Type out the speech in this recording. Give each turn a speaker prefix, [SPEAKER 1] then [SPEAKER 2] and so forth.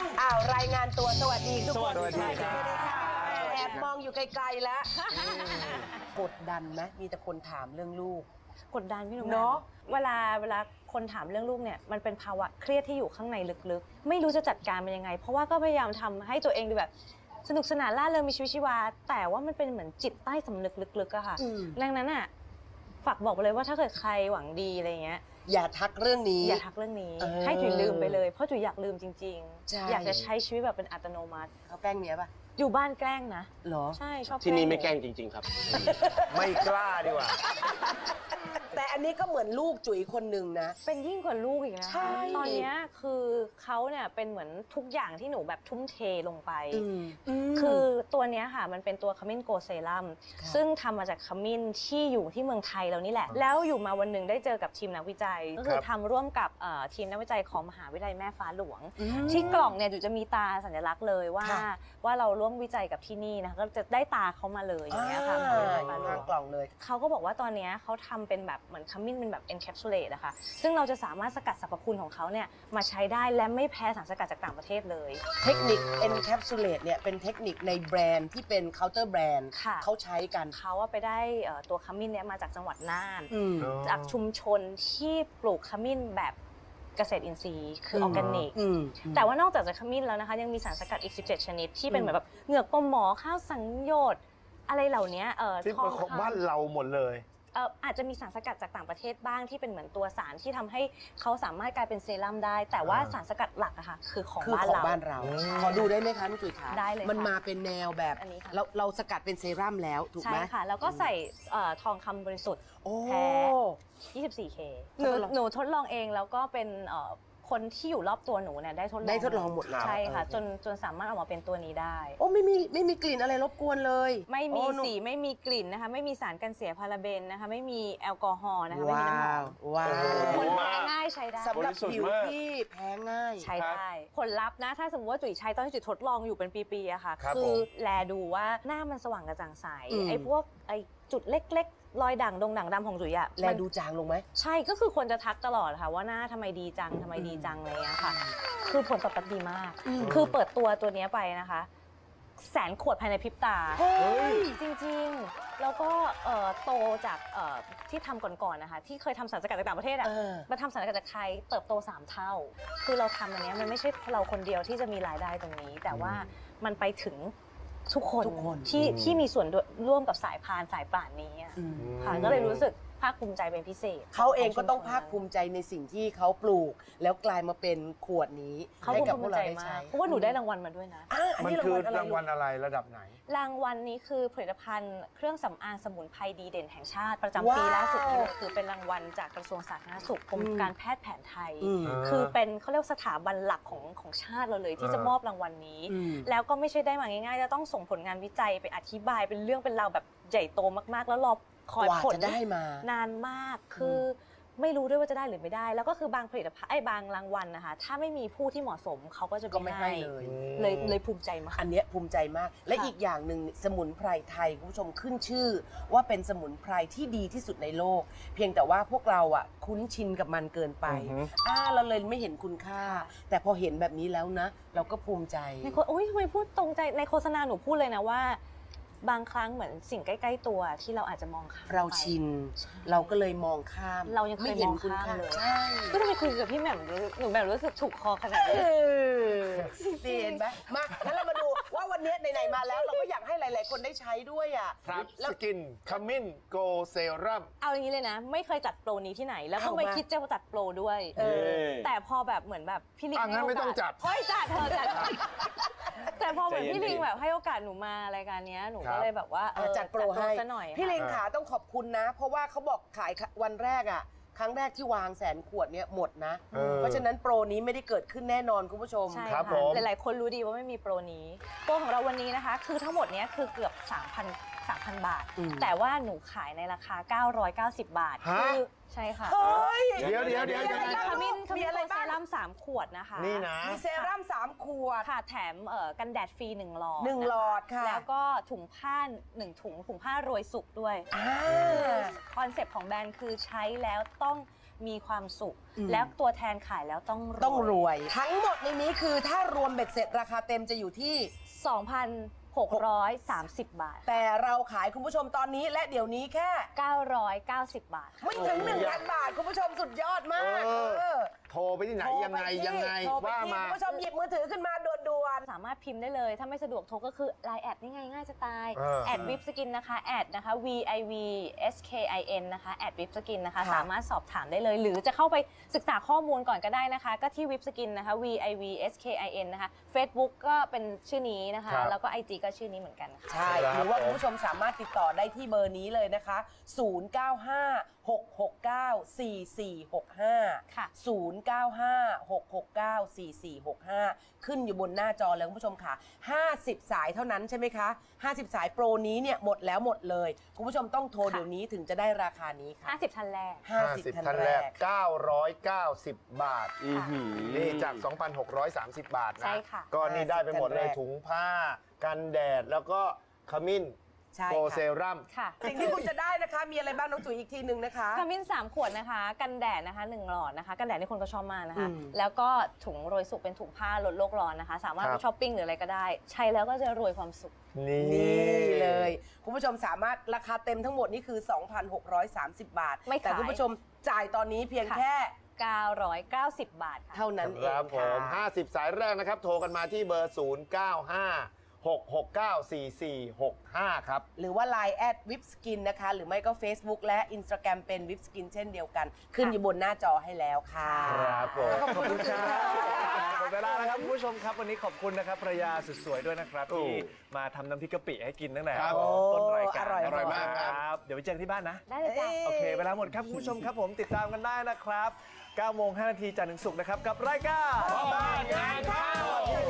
[SPEAKER 1] รายงานตัวสวัสดีทุกคน
[SPEAKER 2] สวัสดีครับ
[SPEAKER 1] แอบมองอยู่ไกลๆแล้วกดดันไหมมีแต่คนถามเรื่องลูก
[SPEAKER 3] กดดันพี่หนุ่ม
[SPEAKER 1] เนอะ
[SPEAKER 3] เวลาคนถามเรื่องลูกเนี่ยมันเป็นภาวะเครียดที่อยู่ข้างในลึกๆไม่รู้จะจัดการมันยังไง เพราะว่าก็พยายามทำให้ตัวเองดูแบบสนุกสนานร่าเริงมีชีวิตชีวาแต่ว่ามันเป็นเหมือนจิตใต้สำนึกลึกๆอะค่ะดังนั้นอะฝากบอกไปเลยว่าถ้าเกิดใครหวังดีอะไรเงี้ย
[SPEAKER 1] อย่าทักเรื่องนี้
[SPEAKER 3] อย่าทักเรื่องนี้
[SPEAKER 1] เออ
[SPEAKER 3] ให้จุ๋ยลืมไปเลยเพราะจุ๋ยอยากลืมจริง
[SPEAKER 1] ใช่
[SPEAKER 3] ๆ อยากจะใช้ชีวิตแบบเป็นอัตโนมัติ
[SPEAKER 1] เขาแกล้งเมียป่ะ
[SPEAKER 3] อยู่บ้านแกล้งนะ
[SPEAKER 1] เหรอ
[SPEAKER 3] ใช่ชอบ
[SPEAKER 2] ที่นี่ไม่แกล้งจริง ๆ ครับ ไม่กล้าดีกว่า
[SPEAKER 1] แต่อันนี้ก็เหมือนลูกจุ๋ยคนหนึ่งนะ
[SPEAKER 3] เป็นยิ่งกว่าลูกอีกนะ
[SPEAKER 1] ใช่
[SPEAKER 3] ตอนเนี้ยคือเขาเนี่ยเป็นเหมือนทุกอย่างที่หนูแบบทุ่มเทลงไป คือตัวเนี้ยค่ะมันเป็นตัวขมิ้นโกเซรัม
[SPEAKER 1] ค่ะ
[SPEAKER 3] ซึ่งทำมาจากขมิ้นที่อยู่ที่เมืองไทยเรานี่แหละ แล้วอยู่มาวันหนึ่งได้เจอกับทีมนักวิจัย ก็คือทำร่วมกับทีมนักวิจัยของมหาวิทยาลัยแม่ฟ้าหลวง ที่กล่องเนี่ยอยู่จะมีตาสัญลักษณ์เลยว่า
[SPEAKER 1] ค่ะ
[SPEAKER 3] ว่าเราร่วมวิจัยกับที่นี่นะก็จะได้ตาเขามาเลยอย่างเงี้ยค่ะมหาวิทยาลัยแม่ฟ้าหลว
[SPEAKER 1] ทาง
[SPEAKER 3] ง
[SPEAKER 1] กล่องเลย
[SPEAKER 3] เขาก็บอกว่าตอนเนี้ยเขาทำเป็นแบบเหมือนขมิ้นเป็นแบบ encapsulate อะค่ะซึ่งเราจะสามารถสกัดสรรพคุณของเขาเนี่ยมาใช้ได้และไม่แพ้สารสกัดจากต่างประเทศเลย
[SPEAKER 1] เทคนิค encapsulate เนี่ยเป็นเทคนิคในแบรนด์ที่เป็น counter brand
[SPEAKER 3] ค่ะ
[SPEAKER 1] เขาใช้กัน
[SPEAKER 3] เขาอะไปได้ตัวขมิ้นเนี่ยมาจากจังหวัดน่าน
[SPEAKER 1] อืม
[SPEAKER 3] จากชุมชนที่ปลูกขมิ้นแบบเกษตรอินทรีย์คือออร์แกนิก แต่ว่านอกจากจะขมิ้นแล้วนะคะยังมีสารสกัดอีก 17 ชนิดที่เป็นเหมือนแบบเหงือกปลาหมอข้าวสังโยชน์อะไรเหล่านี้
[SPEAKER 2] ที่
[SPEAKER 3] ทอง
[SPEAKER 2] เป็นของ
[SPEAKER 3] คำ
[SPEAKER 2] บ้านเราหมดเลย
[SPEAKER 3] อาจจะมีสารสกัดจากต่างประเทศบ้างที่เป็นเหมือนตัวสารที่ทำให้เขาสามารถกลายเป็นเซรั่มได้ แต่ว่าสารสกัดหลักอะค่ะคือของ
[SPEAKER 1] คือ
[SPEAKER 3] บ้าน
[SPEAKER 1] ของ
[SPEAKER 3] เรา
[SPEAKER 1] บ้านเรา ขอดูได้ไหมคะน้องจุ๋ยคะ
[SPEAKER 3] ได้เลยค่ะ
[SPEAKER 1] มันมาเป็นแนวแบบ
[SPEAKER 3] อันนี้ค่ะ
[SPEAKER 1] เราสกัดเป็นเซรั่มแล้วถูก
[SPEAKER 3] ใช่
[SPEAKER 1] ไหม
[SPEAKER 3] ค่ะ แล้วก็ใส่ทองคำบริสุทธิ์
[SPEAKER 1] โอ้
[SPEAKER 3] แท้ 24K หนู
[SPEAKER 1] ทดลอง
[SPEAKER 3] หนูทดลองเองแล้วก็เป็นคนที่อยู่รอบตัวหนูเนี่ยได้ทดลอง
[SPEAKER 1] ได้ทดลองหมดแล้ว
[SPEAKER 3] ใช่ค่ะ
[SPEAKER 1] เออ
[SPEAKER 3] จนสามารถออกมาเป็นตัวนี้ได้
[SPEAKER 1] โอ้ไม่มีกลิ่นอะไรรบกวนเลย
[SPEAKER 3] ไม่มี
[SPEAKER 1] โอ้หนู
[SPEAKER 3] สีไม่มีกลิ่นนะคะไม่มีสารกันเสียพาราเบนนะคะไม่มีแอลกอฮอล์นะคะไม่มี
[SPEAKER 1] ว้า
[SPEAKER 3] น้ำหอ
[SPEAKER 1] ว
[SPEAKER 3] ม
[SPEAKER 1] ว้า
[SPEAKER 2] โอ้
[SPEAKER 3] คน
[SPEAKER 1] ว
[SPEAKER 3] แพ้ง่ายใช้ได้
[SPEAKER 1] สำหรับบ
[SPEAKER 2] ริสุทธิ์
[SPEAKER 1] ผิว
[SPEAKER 2] มาก
[SPEAKER 1] ที่แพ้ง่าย
[SPEAKER 3] ใช้ได้ ผลลัพธ์นะถ้าสมมติว่าจุ๋ยใช้ตอนที่จุ๋ยทดลองอยู่เป็นปีๆอะค่ะ
[SPEAKER 2] ครับ
[SPEAKER 3] คือ
[SPEAKER 2] ผม
[SPEAKER 3] แลดูว่าหน้ามันสว่างกระจ่างใส
[SPEAKER 1] อืม
[SPEAKER 3] ไอ้พวกไอ้จุดเล็กๆรอยด่างดงด่างดำของจุ๋ยอะ
[SPEAKER 1] แล
[SPEAKER 3] มัน
[SPEAKER 1] ดูจางลงไหม
[SPEAKER 3] ใช่ก็คือคนจะทักตลอดค่ะว่าหน้าทำไมดีจังทำไมดีจังอะไรเงี้ยค่ะ คือผลตอบรับดีมาก คือเปิดตัวเนี้ยไปนะคะ100,000 ขวดภายในพริบตา
[SPEAKER 1] เฮ้ย
[SPEAKER 3] จริงๆ แล้วก็โตจากที่ทำก่อนๆนะคะที่เคยทำสารสกัดจากต่างประเทศอะ
[SPEAKER 1] เออ
[SPEAKER 3] มาทำสารสกัดจากไทยเติบโต 3 เท่า คือเราทำอันเนี้ยมันไม่ใช่เราคนเดียวที่จะมีรายได้ตรงนี้ แต่ว่ามันไปถึงทุกคน
[SPEAKER 1] ทุกคน
[SPEAKER 3] ที่มีส่วนร่วมกับสายพานสายป่านนี้อะ
[SPEAKER 1] อืม
[SPEAKER 3] ค่ะก็เลยรู้สึกภาคภูมิใจเป็นพิเศษ
[SPEAKER 1] เขาเองก็ต้องภาคภูมิใจในสิ่งที่เขาปลูก แล้วกลายมาเป็นขวดนี้
[SPEAKER 3] เขา
[SPEAKER 1] ให้กับพ
[SPEAKER 3] ภู
[SPEAKER 1] วก
[SPEAKER 3] มิ
[SPEAKER 1] เรา
[SPEAKER 3] ใจ
[SPEAKER 1] ได้
[SPEAKER 3] มา
[SPEAKER 1] ใช้
[SPEAKER 3] กเพราะว่าหนูได้รางวัลมาด้วยนะ
[SPEAKER 1] อัน
[SPEAKER 2] มัน
[SPEAKER 1] นี้
[SPEAKER 2] คือ
[SPEAKER 1] ราร
[SPEAKER 2] าง ง
[SPEAKER 1] วั
[SPEAKER 2] วั
[SPEAKER 1] ล
[SPEAKER 2] ล
[SPEAKER 1] อะไร
[SPEAKER 2] อะไรระดับไหน
[SPEAKER 3] รางวัลนี้คือผลิตภัณฑ์เครื่องสำอางสมุนไพรดีเด่นแห่งชาติประจำปีล่าสุดนี้เลยคือเป็นรางวัลจากกระทรวงสาธารณสุขกรมการแพทย์แผนไทย
[SPEAKER 1] อืม
[SPEAKER 3] คือเป็นเขาเรียกสถาบันหลักของชาติเราเลยที่จะมอบรางวัลนี้
[SPEAKER 1] อืม
[SPEAKER 3] แล้วก็ไม่ใช่ได้มาง่ายๆจะต้องส่งผลงานวิจัยไปอธิบายเป็นเรื่องเป็นราวแบบใหญ่โตมากๆ แล้วรอคอย
[SPEAKER 1] กว่า
[SPEAKER 3] ผล
[SPEAKER 1] จะได้มา
[SPEAKER 3] นานมากคือไม่รู้ด้วยว่าจะได้หรือไม่ได้ แล้วก็คือบางผลิตภัณฑ์บางรางวัลนะคะถ้าไม่มีผู้ที่เหมาะสมเขาก็จะ
[SPEAKER 1] ก็ไม่ให้เลย
[SPEAKER 3] เลยภูมิใจมาก
[SPEAKER 1] อันเนี้ยภูมิใจมาก และ
[SPEAKER 3] ค่ะ
[SPEAKER 1] อีกอย่างหนึ่งสมุนไพรไทยคุณผู้ชมขึ้นชื่อ ว่าเป็นสมุนไพรที่ดีที่สุดในโลก เพียงแต่ว่าพวกเราอ่ะคุ้นชินกับมันเกินไป
[SPEAKER 2] อือฮึ
[SPEAKER 1] เราเลยไม่เห็นคุณค่า แต่พอเห็นแบบนี้แล้วนะ เราก็ภูมิใจ
[SPEAKER 3] ในโฆษโอ้ยทำไมพูดตรงใจในโฆษณาหนูพูดเลยนะว่า บางครั้งเหมือนสิ่งใกล้ๆตัวที่เราอาจจะมองข้าม
[SPEAKER 1] เรา
[SPEAKER 3] ไป
[SPEAKER 1] ชิน เราก็เลยมองข้าม
[SPEAKER 3] เรายังเคย
[SPEAKER 1] ไม่เห็น
[SPEAKER 3] มอง
[SPEAKER 1] คุณ
[SPEAKER 3] ข้าม
[SPEAKER 1] ค่า
[SPEAKER 3] เลย
[SPEAKER 1] ใช่
[SPEAKER 3] ก็ทำไมคุยกับพี่แหม่มหนูแบบรู้สึกถูกคอขนาดนี้
[SPEAKER 1] ดีเห็นไหมมางั้นเรามาดูว่าวันนี้ไหนๆมาแล้ว เราก็อยากให้หลาย ๆ คนได้ใช้ด้วยอ่ะ
[SPEAKER 2] ครับ
[SPEAKER 1] แล้ว
[SPEAKER 2] สกินขมิ้นโกเซรั่ม
[SPEAKER 3] เอาอย่างนี้เลยนะ ไม่เคยจัดโปรนี้ที่ไหน แล้วก็
[SPEAKER 1] เอามา
[SPEAKER 3] ไม่คิดจะจัดโปรด้วย แต่พอแบบเหมือนแบบพี่ลิง
[SPEAKER 2] งั้นไม่ต้องจัด
[SPEAKER 3] เฮ้ยจัดเธอจัด แต่พอเหมือน
[SPEAKER 2] ใจเย็น
[SPEAKER 3] พี่ลิงแบบให้โอกาสหนูมารายการเนี้ยหนู
[SPEAKER 2] ครั
[SPEAKER 3] ก็
[SPEAKER 2] บ
[SPEAKER 3] เลยแบบว่า
[SPEAKER 1] จัดโปรให้
[SPEAKER 3] ซะหน่อย
[SPEAKER 1] พี่เล
[SPEAKER 3] ค่ะ
[SPEAKER 1] งขาต้องขอบคุณนะ เพราะว่าเขาบอกขายวันแรกอ่ะ ครั้งแรกที่วาง100,000 ขวดเนี่ยหมดนะ เพราะฉะนั้นโปรนี้ไม่ได้เกิดขึ้นแน่นอนคุณผู้ชม
[SPEAKER 3] ใช่
[SPEAKER 2] ครับผ
[SPEAKER 3] ค่ะ
[SPEAKER 2] ม
[SPEAKER 3] หลายๆ คนรู้ดีว่าไม่มีโปรนี้โปรของเราวันนี้นะคะ คือทั้งหมดเนี้ยคือเกือบ 3,000 บาท
[SPEAKER 1] อืม
[SPEAKER 3] แต่ว่าหนูขายในราคา 990 บาท
[SPEAKER 2] ฮะ
[SPEAKER 3] คือใช่ค่ะ
[SPEAKER 1] เฮ้ย
[SPEAKER 2] เดี๋ยว
[SPEAKER 1] มีอะไร
[SPEAKER 3] ขมิ้น
[SPEAKER 1] มี
[SPEAKER 3] โก
[SPEAKER 1] อะไร
[SPEAKER 3] เซ
[SPEAKER 1] บ้าง
[SPEAKER 3] รั่ม3 ขวดนะคะ
[SPEAKER 2] นี่นะ
[SPEAKER 1] มีเซรั่ม3 ขวด
[SPEAKER 3] ค่ะแถมกันแดดฟรี1 หลอด
[SPEAKER 1] 1 หลอดค่ะ
[SPEAKER 3] แล้วก็ถุงผ้า1 ถุงผ้าโรยสุกด้วย
[SPEAKER 1] อ่า
[SPEAKER 3] คอนเซปต์ของแบรนด์คือใช้แล้วต้องมีความสุข
[SPEAKER 1] อืม
[SPEAKER 3] แล้วตัวแทนขายแล้วต้อง
[SPEAKER 1] ต้องรวย ทั้งหมดในนี้คือถ้ารวมเบ็ดเสร็จราคาเต็มจะอยู่ที่
[SPEAKER 3] 2,630 บาท
[SPEAKER 1] แต่เราขายคุณผู้ชมตอนนี้และเดี๋ยวนี้แค่
[SPEAKER 3] 990 บาทค่ะ
[SPEAKER 1] ไม่ถึง 1,000 บาท คุณผู้ชมสุดยอดมาก
[SPEAKER 2] โทรไปที่ไหนยังไง
[SPEAKER 1] โทรป
[SPEAKER 2] ว่า
[SPEAKER 1] ที่
[SPEAKER 2] มา
[SPEAKER 1] คุณผู้ชมหยิบมือถือขึ้นมาด่วน
[SPEAKER 3] สามารถพิมพ์ได้เลย ถ้าไม่สะดวกโทรก็คือ Line แอดนี่ง่ายจะตาย แอดวิปสกินนะคะแอดนะคะ VIVSKIN นะคะแอดวิปสกินนะคะ
[SPEAKER 1] ค่ะ
[SPEAKER 3] สามารถสอบถามได้เลย หรือจะเข้าไปศึกษาข้อมูลก่อนก็ได้นะคะ ก็ที่วิปสกินนะคะ VIVSKIN นะคะ Facebook ก็เป็นชื่อนี้นะคะ
[SPEAKER 2] ครับ
[SPEAKER 3] แล้วก็ IG ก็ชื่อนี้เหมือนกันค่ะ
[SPEAKER 1] ๆ ใช่ หรือว่าคุณผู้ชมสามารถติดต่อได้ที่เบอร์นี้เลยนะคะ 0956694465
[SPEAKER 3] ค่ะ
[SPEAKER 1] 0956694465 ขึ้นอยู่บนหน้าจอแล้วคุณผู้ชมค่ะ 50 สายเท่านั้นใช่ไหมคะ 50 สายโปรนี้เนี่ยหมดแล้วหมดเลย คุณผู้ชมต้องโทร
[SPEAKER 3] ค่ะ
[SPEAKER 1] เดี๋ยวนี้ถึงจะได้ราคานี้ค่ะ
[SPEAKER 3] 50ท่านแรก
[SPEAKER 1] 50
[SPEAKER 2] ท่านแรก 990 บาท
[SPEAKER 3] อื้อหือ
[SPEAKER 2] นี่จาก 2,630 บาทนะ
[SPEAKER 3] ใช่ค่ะ
[SPEAKER 2] ก็นี่ได้ไปหมดเลย
[SPEAKER 1] ท่านแรก
[SPEAKER 2] ถุงผ้า กันแดด แล้วก็ขมิ้น
[SPEAKER 1] ใช่
[SPEAKER 2] โก
[SPEAKER 1] ค่ะ
[SPEAKER 2] เซรั่ม
[SPEAKER 3] ค่ะ
[SPEAKER 1] สิ่งที่คุณจะได้นะคะ มีอะไรบ้างน้องจุ๋ยอีกทีหนึ่งนะคะ
[SPEAKER 3] ขมิ้น3 ขวดนะคะ กันแดดนะคะ1หลอดนะคะ กันแดดนี่คนก็ชอบมากนะคะ
[SPEAKER 1] อืม
[SPEAKER 3] แล้วก็ถุงโรยสุกเป็นถุงผ้าลดโลกร้อนนะคะ สามารถ
[SPEAKER 2] ครั
[SPEAKER 3] ไป
[SPEAKER 2] บ
[SPEAKER 3] ช้อปปิ้งหรืออะไรก็ได้ ใช้แล้วก็จะรวยความสุข
[SPEAKER 2] นี่
[SPEAKER 1] นี่เลย คุณผู้ชมสามารถราคาเต็มทั้งหมดนี่คือ 2,630 บาท
[SPEAKER 3] ไม่ขาย
[SPEAKER 1] แต่คุณผู้ชมจ่ายตอนนี้เพียงแค่
[SPEAKER 3] 990 บาทค่ะ
[SPEAKER 1] เท่านั้นเอ
[SPEAKER 2] ค
[SPEAKER 1] ง
[SPEAKER 2] รับผ
[SPEAKER 1] ค่ะ
[SPEAKER 2] ม 50 สายแรกนะครับ โทรกันมาที่เบอร์ 0956694465 ครับ
[SPEAKER 1] หรือว่า Line แอดวิปสกินนะคะ หรือไม่ก็ Facebook และ Instagram เป็นวิปสกินเช่นเดียวกัน ขึ้นอยู่บนหน้าจอให้แล้วค่ะ
[SPEAKER 2] ครับผม
[SPEAKER 1] ขอบคุณค่ะ
[SPEAKER 4] หมดเวลาแล้วครับคุณผู้ชมครับวันนี้ขอบคุณนะครับภรรยาสุดสวยด้วยนะครับ
[SPEAKER 2] โอ้
[SPEAKER 4] ที่มาทำน้ำพริกกะปิให้กินตั้งแต่
[SPEAKER 2] ครับ
[SPEAKER 4] ต้นรายการ
[SPEAKER 1] อร่อย
[SPEAKER 2] มากครับ
[SPEAKER 4] ครับเดี๋ยวไปเจอกันที่บ้านนะ
[SPEAKER 3] ได้เลยจ้ะ
[SPEAKER 4] โอเค เวลาหมดครับคุณผู้ชมครับผมติดตามกันได้นะครับ9 โมง 5 นาทีจันทร์ถึงศุกร์นะครับ กับรายการ
[SPEAKER 2] พ่อบ้านงานเข้า